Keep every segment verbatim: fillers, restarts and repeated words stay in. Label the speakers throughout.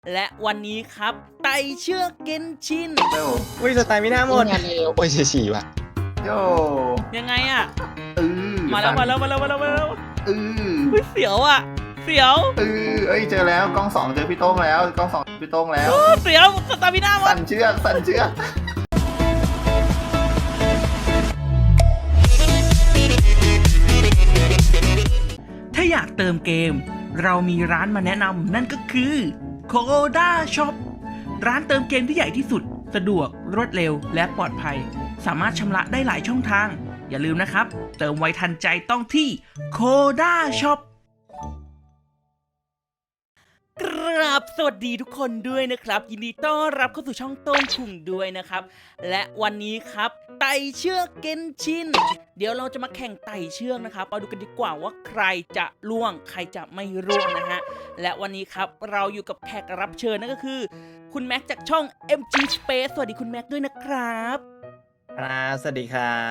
Speaker 1: และวันนี้ครับไต่เชือกเกนชิน
Speaker 2: โย
Speaker 3: อุ้ยสไตล์ไม่น่าหมด
Speaker 4: งานเร็วโอ้ยเฉี่ๆว่ะ
Speaker 2: โย
Speaker 1: ยังไงอะ
Speaker 2: เออ
Speaker 1: มาแล้วมาแล้วมาแล้วมาแล้วมาแล้ว
Speaker 2: เออ
Speaker 1: เฮ้ยเสียวอะเสียว
Speaker 2: เออเอ้ยเจอแล้วกล้องสองเจอพี่โต้งแล้วกล้องสองพี่โต้งแล้ว
Speaker 1: โอ้เสียวสตาร์มิน่าหม
Speaker 2: สั่
Speaker 1: ด
Speaker 2: นเชือกสั่นเชือก
Speaker 1: ถ้าอยากเติมเกม เรามีร้านมาแนะนำนั่นก็คือ Koda Shop ร้านเติมเกมที่ใหญ่ที่สุดสะดวกรวดเร็วและปลอดภัย สามารถชำระได้หลายช่องทาง อย่าลืมนะครับ เติมไวทันใจต้องที่ Koda Shop กราบสวัสดีทุกคนด้วยนะครับ ยินดีต้อนรับเข้าสู่ช่องโต้งคุงด้วยนะครับ และวันนี้ครับไต่เชือกเกนชิน เดี๋ยวเราจะมาแข่งไต่เชือกนะครับมาดูกันดีกว่าว่าใครจะล่วงใครจะไม่ล่วงนะฮะและวันนี้ครับเราอยู่กับแขกรับเชิญนั่นก็คือ คุณแม็กจากช่อง เอ็ม จี Space สวัสดีคุณแม็กด้วยนะครับ
Speaker 3: ครับสวัสดีครับ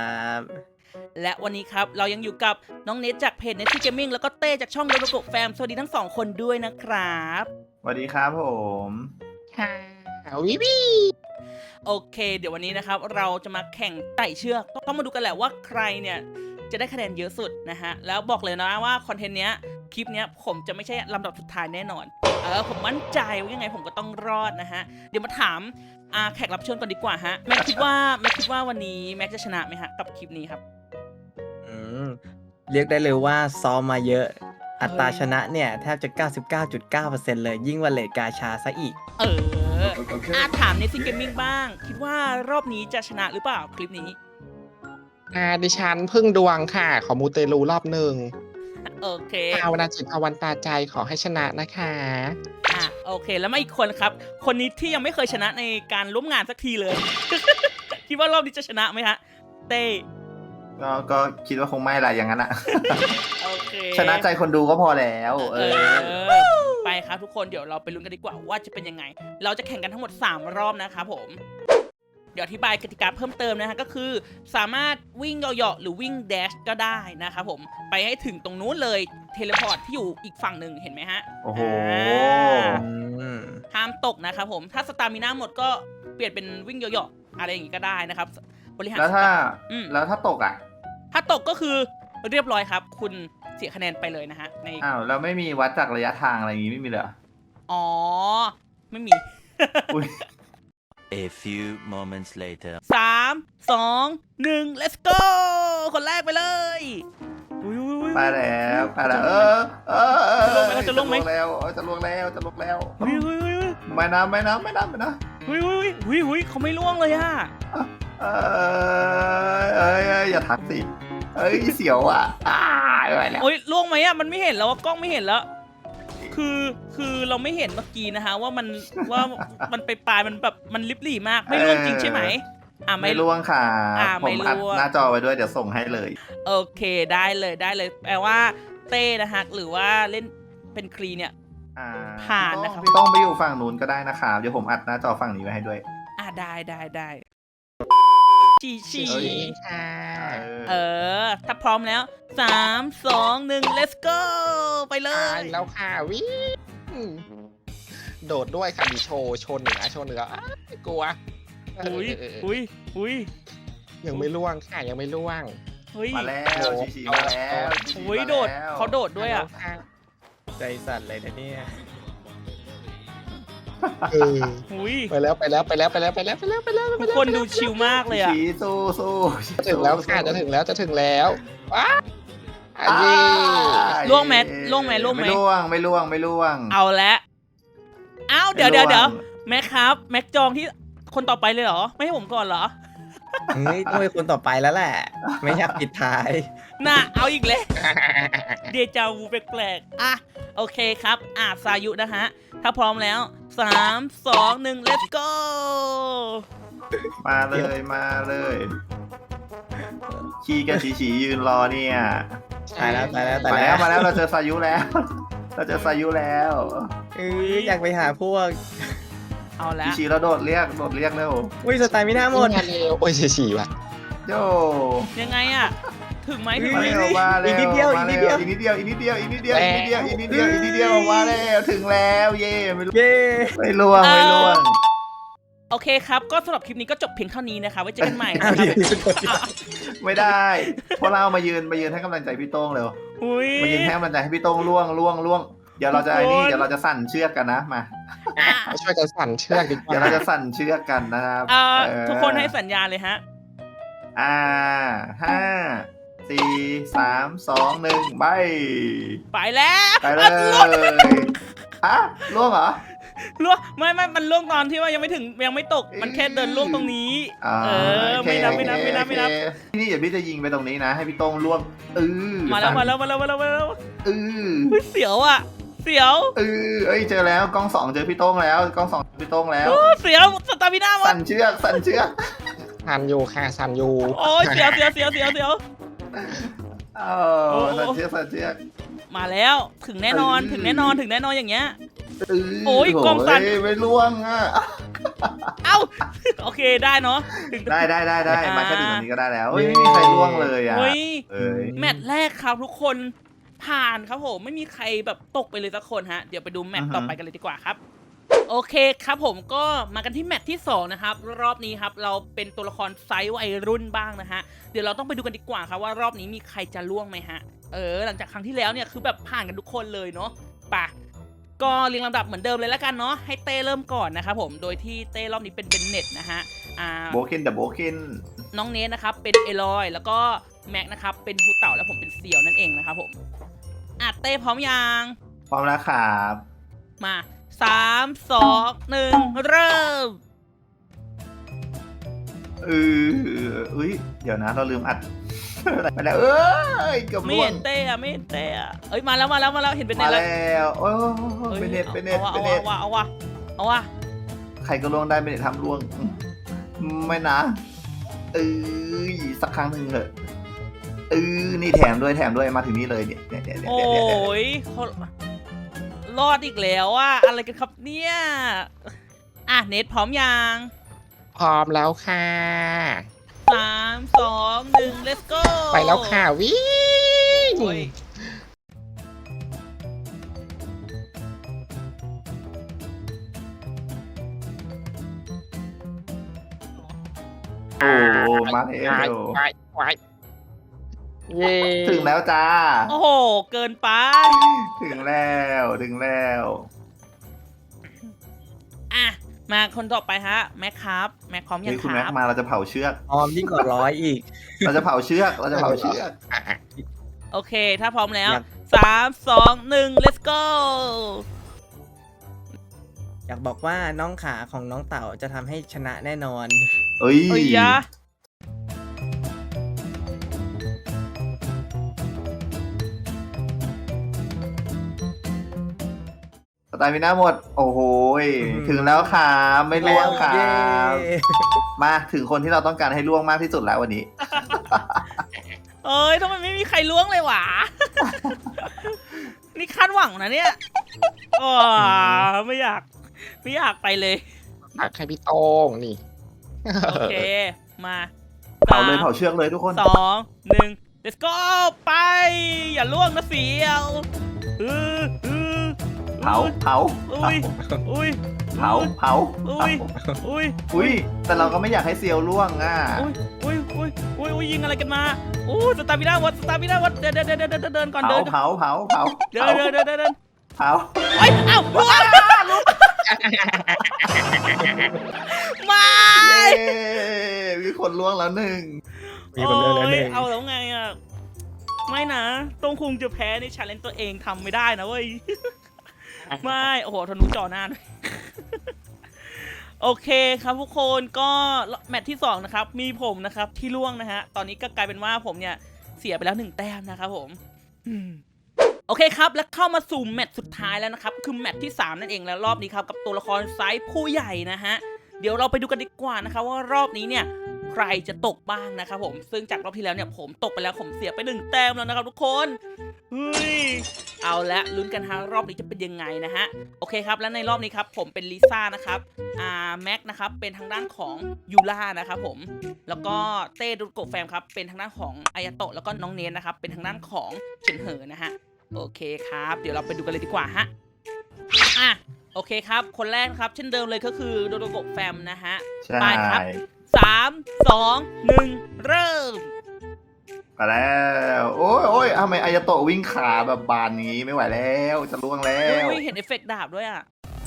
Speaker 1: และวันนี้ครับเรายังอยู่กับน้องเนทจากเพจ Netty Gaming แล้วก็เต้จากช่องโดโรโกะแฟมสวัสดีทั้งสองคนด้วยนะครับ
Speaker 2: สวัสดีครับผม
Speaker 4: ค่ะวิวิ
Speaker 1: โอเค เดี๋ยววันนี้นะครับเราจะมาแข่งไต่เชือกต้องมาดูกันแหละว่าใครเนี่ยจะได้คะแนนเยอะสุดนะฮะแล้วบอกเลยนะว่าคอนเทนต์เนี้ยคลิปเนี้ยผมจะไม่ใช่ลำดับสุดท้ายแน่นอนเออผมมั่นใจว่ายังไงผมก็ต้องรอดนะฮะเดี๋ยวมาถามอาแขกรับเชิญก่อนดีกว่าฮะแม็กคิดว่าแม็กคิดว่าวันนี้แม็กจะชนะไหมฮะกับคลิปนี้ครับ
Speaker 3: อืมเรียกได้เลยว่าซ้อมมาเยอะ อัตราชนะเนี่ยแทบจะ เก้าสิบเก้าจุดเก้าเปอร์เซ็นต์ เลยยิ่งกว่าเลทกาชาซะอีก
Speaker 1: เอออาถามในซิงเกมมิ่งบ้าง คิดว่ารอบนี้จะชนะหรือเปล่าคลิปนี้
Speaker 4: อ่าดิฉันพึ่งดวงค่ะ ขอมูเตลูรอบหนึ่ง
Speaker 1: โอเค
Speaker 4: ภาวนาจิตภาวันตาใจขอให้ชนะนะคะ
Speaker 1: อ่ะโอเคแล้วมาอีกคนครับ คนนี้ที่ยังไม่เคยชนะในการร่วมงานสักทีเลย คิดว่ารอบนี้จะชนะไหมฮะเต้
Speaker 2: ก็ก็คิดว่าคงไม่ละอย่างนั้นอะ
Speaker 1: โอเค
Speaker 2: ชนะใจคนดูก็พอแล้ว เอ
Speaker 1: เอ
Speaker 2: อ
Speaker 1: อไปครับทุกคนเดี๋ยวเราไปลุ้นกันดีกว่าว่าจะเป็นยังไง เราจะแข่งกันทั้งหมดสามรอบนะครับผม เดี๋ยวอธิบายกติกาเพิ่มเติมนะฮะก็คือ สามารถวิ่งเหาะๆหรือวิ่งแดชก็ได้นะครับผมไปให้ถึงตรงนู้นเลยเทเลพอร์ตที่อยู่อีกฝั่งหนึ่งเห็นไหมฮะ
Speaker 2: โอ้โห
Speaker 1: อ่า
Speaker 3: อืม
Speaker 1: ห้ามตกนะครับผมถ้าสตามิน่าหมดก็เปลี่ยนเป็นวิ่งเหยาะๆอะไรอย่างงี้ก็ได้นะครับบริหาร
Speaker 2: แล้วถ้า
Speaker 1: อืม
Speaker 2: แล้วถ้าตกอ่ะ
Speaker 1: ถ้าตกก็คือเรียบร้อยครับ คุณเสียคะแนนไปเลยนะฮะใน
Speaker 2: อ้าวแล้วไม่มีวัดจากระยะทางอะไรอย่างงี้ไม่มีเลยเหรอ
Speaker 1: อ๋อไม่มี
Speaker 2: อุ้ย
Speaker 5: A few moments later.
Speaker 1: สามสองหนึ่ง let's go คนแรกไปเลยอุ้ยอุ้ยอุ้ย
Speaker 2: ไปแล้วไปแล้วเออเออเออ
Speaker 1: จะลงไหม
Speaker 2: แล้วเออจะลงแล้วจะลงแล้ว
Speaker 1: อุ้ยอุ้ยอุ้ยอุ้ย
Speaker 2: ไม่นะไม่นะไม่นะไม่นะ
Speaker 1: อุ้ยอุ้ยอุ้ยอุ้ยเขาไม่ล่วงเลยอะ
Speaker 2: เอ้ยเอ้ยเอ้ยอย่าทักสิเอ้ยเสียวอ่ะอ้าไม่ไหวแล้ว
Speaker 1: โอ้ยล่วงไหมอะมันไม่เห็นแล้วอะกล้องไม่เห็นแล้ว คือคือเราไม่เห็นเมื่อกี้นะฮะว่ามันว่ามันไปปลายมันแบบมันลิบหลี่มากไม่ร่วงจริงใช่ไหมอ่ะ
Speaker 2: ไม่ล่วงค่ะ
Speaker 1: อ่า
Speaker 2: ผ
Speaker 1: ไม่
Speaker 2: ม
Speaker 1: ล่วง
Speaker 2: อัดหน้าจอไว้ด้วยเดี๋ยวส่งให้เลย
Speaker 1: โอเคได้เลยได้เลยแปลว่าเต้นะฮะหรือว่าเล่นเป็นครีเนี่ย
Speaker 2: อ่า
Speaker 1: ผ่านนะครับ
Speaker 2: พี่ต้องไปอยู่ฝั่งนู้นก็ได้นะครับเดี๋ยวผมอัดหน้าจอฝั่งนี้ไว้ให้ด้วย
Speaker 1: อ่ะได้ได้ได้ฉีฉี
Speaker 2: เอ้ย
Speaker 4: ค่ะ
Speaker 1: เออ ถ้าพร้อมแล้วสามสองหนึ่ง let's go ไปเล
Speaker 4: ตาย ยแล้วค่ะวิโดดด้วยค่ะมีโชว์โชว์เหนือโชว์เหนืออ้ายกลัว
Speaker 1: อุ้ย
Speaker 4: เออเออเออ
Speaker 1: อุ้ยอุ้ย
Speaker 4: ยังไม่ล่วงค่ะยังไม่ล่วง
Speaker 1: เฮ้ย
Speaker 2: มาแล้ว
Speaker 4: โอ้
Speaker 2: ชิชิมาแล้ว
Speaker 4: เอา
Speaker 2: ชิชิ
Speaker 1: อุ้ย
Speaker 2: มา
Speaker 1: โดด
Speaker 2: แล้ว
Speaker 1: เขาโดดด้วยอ่ะ
Speaker 4: ค่ะ
Speaker 3: ใจสั่นเลยนะเนี่ย
Speaker 4: เออ
Speaker 1: อุ้ย
Speaker 4: ไปแล้วไปแล้วไปแล้วไปแล้วไปแล้วไปแล้วไปแล้ว
Speaker 1: ทุกคนดูชิลมากเลยอ่ะ
Speaker 2: ชิสู้สู้ชิ
Speaker 4: จะถึงแล้วค่ะจะถึงแล้วจะถึงแล้วว้าอัน
Speaker 2: อ่า
Speaker 4: นี้
Speaker 1: ล่วงไหมล่วงไหมล่วงไหม
Speaker 2: ไม่ล่วงไม่ล่วงไม่ล่วง
Speaker 1: เอาละอ้าวเดี๋ยวเดี๋ยว
Speaker 2: ไม่ล่วง
Speaker 1: เดี๋ยวแม็กครับ แม็กจองที่คนต่อไปเลยเหรอ ไม่ให้ผมก่อนเหรอ
Speaker 3: เฮ้ยต้องเป็นคนต่อไปแล้วแหละ ไม่อยากปิดท้าย
Speaker 1: น่ะเอาอีกเลย เดจาวูแปลกๆอ่ะโอเคครับอ่ะสายุนะฮะ ถ้าพร้อมแล้วสามสองหนึ่ง let's go
Speaker 2: มาเลยมาเลยชีกับชีชียืนรอเนี่ย
Speaker 3: ตายแล้วตายแล้วตาย
Speaker 2: มา
Speaker 3: แล้
Speaker 2: แล้ว วมาแล้วเราเจอสายุแล้ว เราเจอสายุแล้ว
Speaker 3: เอ้ยอยากไปหาพวก
Speaker 1: เอาละ
Speaker 2: ชีชีเราโดดเรียกโดดเรียกเร็ว
Speaker 3: อุ้ยสไตล์ไม่น่าหมด
Speaker 4: งานเร็วโอ้ยเฉี่ๆว่ะ
Speaker 2: โย
Speaker 1: ยังไงอ่ะถึงไหมถึง
Speaker 2: มา
Speaker 1: ไหม
Speaker 2: แล้วมาแล้ว
Speaker 3: อีกนิดเดียวอีกนิดเดียว
Speaker 2: อีกนิดเดียวอีกนิดเดียวอีกนิดเดียวอีกนิดเดียวอีกนิดเดียวอีกนิดเดียวมาแล้วถึงแล้วเย่ไม่รู้
Speaker 3: เย้
Speaker 2: ไม่ล่วงไม่ล่วง
Speaker 1: โอเคครับก็สำหรับคลิปนี้ก็จบเพียงเท่านี้นะคะไว้เจอกันใหม่นะ
Speaker 3: อ้าว
Speaker 1: ครั
Speaker 3: เดี๋ยว
Speaker 1: บ
Speaker 2: ไม่ได้เพราะเรามายืนมายืนให้กำลังใจพี่โต้งเร็ว
Speaker 1: อุ้ย
Speaker 2: มายืนให้กำลังใจให้พี่โต้งล่วงล่วงล่วงเดี๋ยวเราจะไอ้นี่
Speaker 1: ทุกคน
Speaker 2: เดี๋ยวเราจะสั่นเชือกกันนะมา
Speaker 4: มาช่วยกันสั่นเชือกดีกว่า
Speaker 2: เดี๋ยวเราจะสั่นเชือกกันนะครับ
Speaker 1: เอ่อ
Speaker 2: เออ
Speaker 1: ทุกคนให้สัญญาณเลยฮะ
Speaker 2: อ่าห้าสี่สามสองหนึ่งไป
Speaker 1: ไปแล้ว
Speaker 2: ไปเล
Speaker 1: อ่ะล่วง
Speaker 2: ยฮะล่วงเหรอ
Speaker 1: ล่วงไม่ไม่มันล่วงตอนที่ว่ายังไม่ถึงยังไม่ตกมันแค่เดินล่วงตรงนี้
Speaker 2: อ่า
Speaker 1: เออ
Speaker 2: โอเค
Speaker 1: ไม่นับไม่นับไม่นับไม่นับ
Speaker 2: โอเคนี่เดี๋ยวพี่จะยิงไปตรงนี้นะ ให้พี่โต้งล่วงเออ
Speaker 1: มาแล้วมาแล้วมาแล้วมาแล้วมาแล้ว
Speaker 2: เออ
Speaker 1: อุ๊ยเสียวอ่ะ เสียว
Speaker 2: เออเอ้ยเจอแล้วกล้องสองเจอพี่โต้งแล้วกล้องสองเจอพี่โต้งแล้ว
Speaker 1: โอ้เสียวสตาร์บิน่าหมด
Speaker 2: สั่นเชือกสั่นเชือก
Speaker 4: สั่นอยู่ค่ะสั่นอยู่
Speaker 1: โอ้ยเสียวเสียวเสียวเสียวเสียว
Speaker 2: เออสั่นเชือกสั่นเชือก
Speaker 1: มาแล้วถึงแน่นอน
Speaker 2: เออ
Speaker 1: ถึงแน่นอนถึงแน่นอนอย่างเงี้ย
Speaker 2: เออ
Speaker 1: โอ้ยกล้องสั่น
Speaker 2: โยไม่ล่วงอ่ะ
Speaker 1: เอ้าโอเคได้เนาะถึง
Speaker 2: ได้ได้ได้ได้
Speaker 1: อ่าม
Speaker 2: มาแค่ถึงตรงนี้ก็ได้แล้วเฮ้ยไม่มีใครล่วงเลยอ่ะ
Speaker 1: เฮ้ย
Speaker 2: เอ้ย
Speaker 1: แมตช์แรกครับทุกคนผ่านครับผมไม่มีใครแบบตกไปเลยสักคนฮะเดี๋ยวไปดูแมตช์ต่อไปกันเลยดีกว่าครับ โอเคครับผมก็มากันที่แมตช์ที่สองนะครับรอบนี้ครับเราเป็นตัวละครไซส์วัยรุ่นบ้างนะฮะเดี๋ยวเราต้องไปดูกันดีกว่าครับว่ารอบนี้มีใครจะล่วงไหมฮะเออหลังจากครั้งที่แล้วเนี่ยคือแบบผ่านกันทุกคนเลยเนาะป่ะก็เรียงลำดับเหมือนเดิมเลยแล้วกันเนาะให้เต้เริ่มก่อนนะครับผมโดยที่เต้รอบนี้เป็นเบนเน็ตนะฮะอ่า
Speaker 2: โบเคนเดอะโบเคน
Speaker 1: น้องเนสนะครับเป็นเอลอยแล้วก็แม็กนะครับเป็นฮูเต่าแล้วผมเป็นเสี่ยวนั่นเองนะครับผมอ่ะเต้พร้อมยัง
Speaker 2: พร้อมแล้วครับ
Speaker 1: มาสามสองหนึ่งเริ่ม
Speaker 2: เออเอ้ยเดี๋ยวนะเราลืมอัด มาแล้วเอ้ยเกือบ
Speaker 1: ไม่
Speaker 2: ล่ว
Speaker 1: เห็
Speaker 2: ง
Speaker 1: นเต้อะไม่เห็นเต้อะเอ้ยมาแล้วมาแล้วมาแล้วเห็นเป็นเน็
Speaker 2: มา
Speaker 1: ตแล้ว
Speaker 2: แล้วโอ้ย
Speaker 1: อ้ย
Speaker 2: เป็นเน็ตเป็นเน็ต
Speaker 1: เอา
Speaker 2: เป็น
Speaker 1: วะ
Speaker 2: เน็ต
Speaker 1: เอาวะเอาวะเอาวะ
Speaker 2: ใครก็ล่วงได้เป็นเน็ตทำล่วงอืมไม่นะเอ้ยสักครั้งหนึ่งเถอะเออนี่แถมด้วยแถมด้วยมาถึงนี่เลยเนี่ยเนี่ยเนี่ยเนี่ย
Speaker 1: โอ้
Speaker 2: เนี่ยเนี่ย
Speaker 1: ยเขารอดอีกแล้วอะอะไรกันครับเนี่ยอ่ะเน็ตพร้อมยัง
Speaker 4: พร้อมแล้วค่ะ
Speaker 1: สามสองหนึ่ง let's go
Speaker 4: ไปแล้วค่ะวิ่ง
Speaker 1: โอ้ย
Speaker 2: โอ้มาแล้ว
Speaker 4: ไปไปเย้
Speaker 2: ถึงแล้วจ้า
Speaker 1: โอ้โหเกินไป
Speaker 2: ถึงแล้วถึงแล้ว
Speaker 1: อ่ะมาคนต่อไปฮะแม็กครับแม็กพร้อมยั
Speaker 2: เฮ้
Speaker 1: ง
Speaker 2: ย
Speaker 1: ค
Speaker 2: คุณแม็
Speaker 1: รั
Speaker 2: ก
Speaker 1: บ
Speaker 2: มาเราจะเผาเชือก
Speaker 3: ออมยิ่งกว่าร้อยอีก
Speaker 2: เราจะเผาเชือกเราจะเผาเชือก
Speaker 4: อ่ะ
Speaker 1: โอเค ถ้าพร้อมแล้ว
Speaker 3: อยาก
Speaker 1: สามสองหนึ่ง let's go
Speaker 3: อยากบอกว่าน้องขาของน้องเต่าจะทำให้ชนะแน่นอน
Speaker 2: เอ้ย
Speaker 1: เอ้ยยะ
Speaker 2: สไตล์มิน่าหมด โอ้โหย
Speaker 3: อืม
Speaker 2: ถึงแล้วครับไม่ล่วงครั
Speaker 3: เย้
Speaker 2: บ มาถึงคนที่เราต้องการให้ล่วงมากที่สุดแล้ววันนี้
Speaker 1: เอ้ยทำไมไม่มีใครล้วงเลย หวะ นี่คาดหวังนะเนี่ยอ๋อไม่อยาก ไม่อยากไปเลย
Speaker 4: ตักให้พี่โต้งนี่
Speaker 1: โอเค มา
Speaker 2: เผาเลยเผาเชือกเลยทุกคน
Speaker 1: สองหนึ่ง let's go ไป อย่าล่วงนะเสียวอืออือ
Speaker 2: เผาเผา
Speaker 1: อุ้ยอุ้ย
Speaker 2: เผาเผา
Speaker 1: อุ้ยอุ้ย
Speaker 2: อุ้ยแต่เราก็ไม่อยากให้เซียวล่วงอ่ะ
Speaker 1: อุ้ยอุ้ยอุ้ยอุ้ยอุ้ยยิงอะไรกันมาอู้สตาร์บิน่าวัดสตาร์บิน่าวัดเดินเดินเดินเดินเดินเดินก่อน
Speaker 2: เผา
Speaker 1: เดิน
Speaker 2: เผาเผาเผา
Speaker 1: เดินเดินเดินเดินเดิน
Speaker 2: เผา
Speaker 1: เอ้ยเอ้าล่วงไม่
Speaker 2: เย้มีคนล่วงแล้วหนึ่ง
Speaker 3: มีคนเลือกแล้วหนึ่ง
Speaker 1: โยเอาแล้วไงอ่ะไม่นะต้องคุงจะแพ้ในชาเลนจ์ตัวเองทำไม่ได้นะเว้ยไม่โอ้โหทะนุจอหน้าด้วย โอเคครับทุกคนก็แมตช์ที่สองนะครับมีผมนะครับที่ล่วงนะฮะตอนนี้ก็กลายเป็นว่าผมเนี่ยเสียไปแล้วหนึ่งแต้มนะครับผมอืมโอเคครับแล้วเข้ามาสู่แมตช์สุดท้ายแล้วนะครับคือแมตช์ที่สามนั่นเองแล้วรอบนี้ครับกับตัวละครไซส์ผู้ใหญ่นะฮะเดี๋ยวเราไปดูกันดีกว่านะครับว่ารอบนี้เนี่ยใครจะตกบ้างนะครับผมซึ่งจากรอบที่แล้วเนี่ยผมตกไปแล้วผมเสียไปหนึ่งแต้มแล้วนะครับทุกคนเฮ้ยเอาละลุ้นกันฮะรอบนี้จะเป็นยังไงนะฮะโอเคครับและในรอบนี้ครับผมเป็นลิซ่านะครับอ่าแม็กนะครับเป็นทางด้านของยูล่านะครับผมแล้วก็เต้ดุโกะแฟมครับเป็นทางด้านของอายาโตะแล้วก็น้องเนนนะครับเป็นทางด้านของเฉินเหอนะฮะโอเคครับเดี๋ยวเราไปดูกันเลยดีกว่าฮะอ่ะโอเคครับคนแรกครับเช่นเดิมเลยก็คือโดโดโกะแฟมนะฮะ
Speaker 2: ใช่
Speaker 1: ไปครับสามสองหนึ่งเริ่ม
Speaker 2: มาแล้วโอ้ยโอ้ยทำไมอายาโตะวิ่งขาแบบบานนี้ไม่ไหวแล้วจะล่วงแล้ว
Speaker 1: อุ้ยเห็นเอฟเฟกต์ดาบด้วยอ่ะ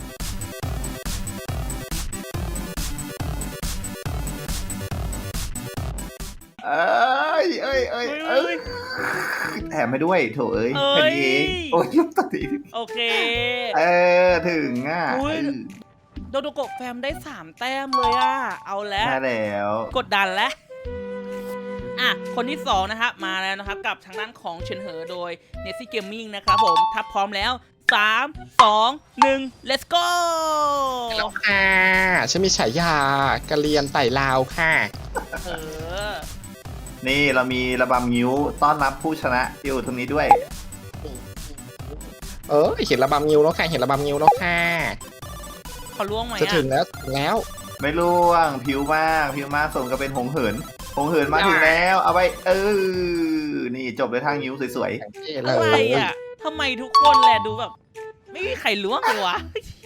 Speaker 2: เอ้ยเอ้ยเอ้ยเอ้ยแถมไปด้วยโถเอ้ย
Speaker 1: เอ้ย
Speaker 2: แค่นี้เองโอ้ยยุบตัดที
Speaker 1: โอเค
Speaker 2: เออถึงอ่ะ
Speaker 1: อุ๊ย
Speaker 2: เออ
Speaker 1: โดโดโกะแฟมได้สามแต้มเลยอ่ะ เอาแล้ว
Speaker 2: ใช่แล้ว
Speaker 1: กดดันแล้ว อ่ะ คนที่สองนะครับมาแล้วนะครับ กับทางด้านของเฉินเหอโดย n e s ซี่เกมมิ่งนะครับผมถ้าพร้อมแล้วสามสองหนึ่ง let's go
Speaker 4: แล้วค่ะฉันมีฉายากระเรียนไต่ลาวค่ะ
Speaker 1: เออ
Speaker 2: นี่เรามีระบำงิ้วต้อนรับผู้ชนะอยู่ตรงนี้ด้วย
Speaker 4: เออเห็นระบำงิ้วแล้วค่ะเห็นระบำงิ้วแล้วค่ะ
Speaker 1: ขอล่วงไหม
Speaker 4: จะ
Speaker 1: อ่ะ
Speaker 4: ถึงแล้วถึงแล้ว
Speaker 2: ไม่ล่วงผิวมากผิวมากสมกับเป็นหงเหินหงเหินมาถึงแล้ว เอาไปเออนี่จบด้วยทางงิ้วสวย
Speaker 4: อย่างที่เล
Speaker 1: อะไร
Speaker 4: ย
Speaker 1: อ่ะทำไมทุกคนแหละดูแบบ ไม่มีใครล่วงเลยวะ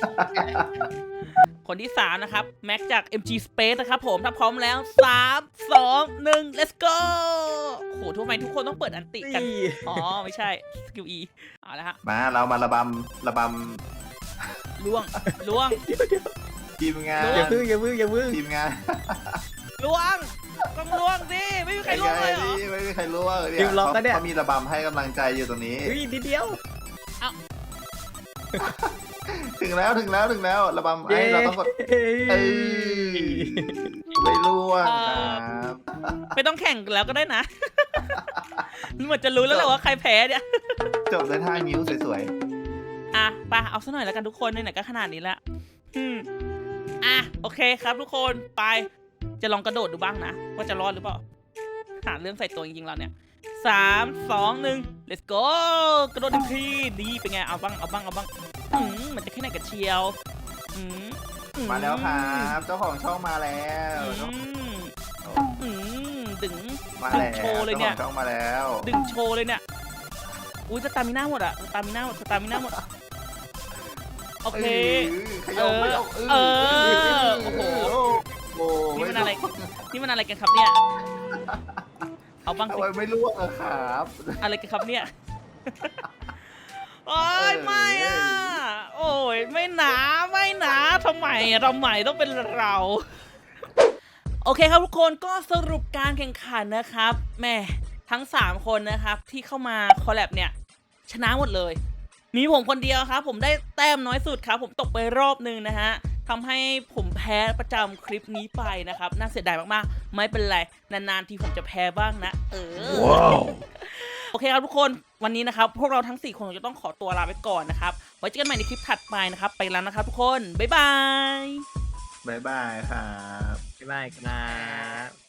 Speaker 1: คนที่สามนะครับ แม็กจาก เอ็ม จี Space นะครับผมถ้าพร้อมแล้วสามสองหนึ่ง let's go โหทำไมทุกคนต้องเปิดอันติกัน อ๋อ ไม่ใช่ สกิล E เอาละฮะ
Speaker 2: ๆมาเรามาระบำระบ
Speaker 1: ล่วงล่วง
Speaker 2: ำทีมงาน
Speaker 1: ล่ว
Speaker 3: อย่าพึ่งอย่าพึ่งอย่าพึ่ง
Speaker 2: ทีมงาน
Speaker 1: ล่วงต้องล่วงสิไม่มีใครล่วงเลยเหรอ
Speaker 2: นี่ไม่มีใครล่วง
Speaker 3: ทีมล็อกก็เนี่ย
Speaker 2: เขามีระบำให้กำลังใจอยู่ตรงนี้
Speaker 3: อุ้ยนิดเดียว
Speaker 2: ถึงแล้วถึงแล้วถึงแล้วระบำไอ้
Speaker 3: เย้
Speaker 2: เราต้องกดเออไม่ล่วงครับ
Speaker 1: ไม่ต้องแข่งแล้วก็ได้นะ เหมือนจะรู้แล้วแหละว่าใครแพ้เนี่ย
Speaker 2: จบด้วยท่านิ้วสวย
Speaker 1: อ่ะไปเอาซะหน่อยแล้วกันทุกคนไหนๆก็ขนาดนี้แล้วอืมอ่ะโอเคครับทุกคนไปจะลองกระโดดดูบ้างนะ ว่าจะรอดหรือเปล่าหาเรื่องใส่ตัวจริงๆเราเนี่ยสามสองหนึ่ง let's go กระโดดหนึ่งทีดีเป็นไงเอาบ้างเอาบ้างเอาบ้างอืมมันจะแค่ไหนกันเชียวอืมอื
Speaker 2: ๆ มาแล้วครับเจ้าของช่องมาแล้ว
Speaker 1: อืมอืมดึง
Speaker 2: มา
Speaker 1: ดึง
Speaker 2: แล้ว
Speaker 1: โชว์เลยเนี่ย
Speaker 2: จ้าของช่องมาแล้ว
Speaker 1: ดึงโชว์เลยเนี่ยอุ้ยสตามิน่าหมดอะสตามิน่าหมดสตามิน่าหมดโอเค
Speaker 2: ขยมขยม
Speaker 1: เออโอ้โห
Speaker 2: โอ้
Speaker 1: นี่มันอะไร นี่มันอะไรกันครับเนี่ย เอาบ้าง
Speaker 2: ทำ
Speaker 1: สิ
Speaker 2: ไมไม่ล่วงอะครับ
Speaker 1: อะไรกันครับเนี่ย โอ้ยไม่อ่ะ โอ้ยไม่หนาไม่หนาทำไมอะทำไมต้องเป็นเรา โอเคครับทุกคนก็สรุปการแข่งขันนะครับแหม่ทั้งสามคนนะครับที่เข้ามาคอลแลบเนี่ยชนะหมดเลย มีผมคนเดียวครับผมได้แต้มน้อยสุดครับผมตกไปรอบนึงนะฮะทำให้ผมแพ้ประจำคลิปนี้ไปนะครับน่าเสียดายมากๆไม่เป็นไรนานๆทีผมจะแพ้บ้างนะเออ
Speaker 5: ว้าว
Speaker 1: โอเคครับทุกคนวันนี้นะครับพวกเราทั้งสี่คนจะต้องขอตัวลาไปก่อนนะครับไว้เจอกันใหม่ในคลิปถัดไปนะครับไปแล้วนะครับทุกคนบ๊ายบาย
Speaker 2: บ๊ายบายครับ
Speaker 3: บ๊ายบายครับ